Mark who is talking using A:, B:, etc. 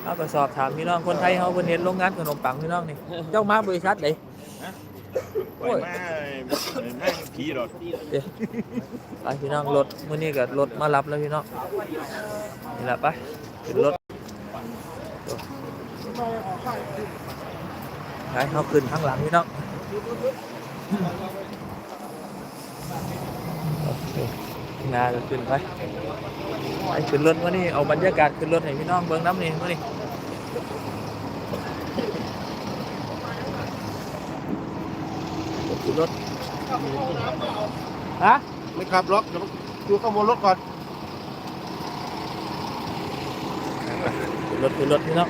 A: เราก็สอบถามพี่น้องคนไทยเขาเพิ่นเห็นโรงงานขนมปังพี่น้องนี่เจ้ามาบริษัทไหน
B: ปล่อยมานั่งผีรถ
A: เดี๋ยวไปพี่น้องรถมื้อนี้ก็รถมารับแล้วพี่น้องนี่แหละไปขึ้นรถไปเขาขึ้นข้างหลังพี่น้องโอเคงานก็ขึ้นไปไปขึ้นรถมื้อนี้เอาบรรยากาศขึ้นรถให้พี่น้องเบิ่งน้ำนี่มื้อนี้ขึ้นรถฮะ
C: ไม่ขับรถเดี๋ยวดูข้างบนรถก่อน
A: ขึ้นรถพี่น้อง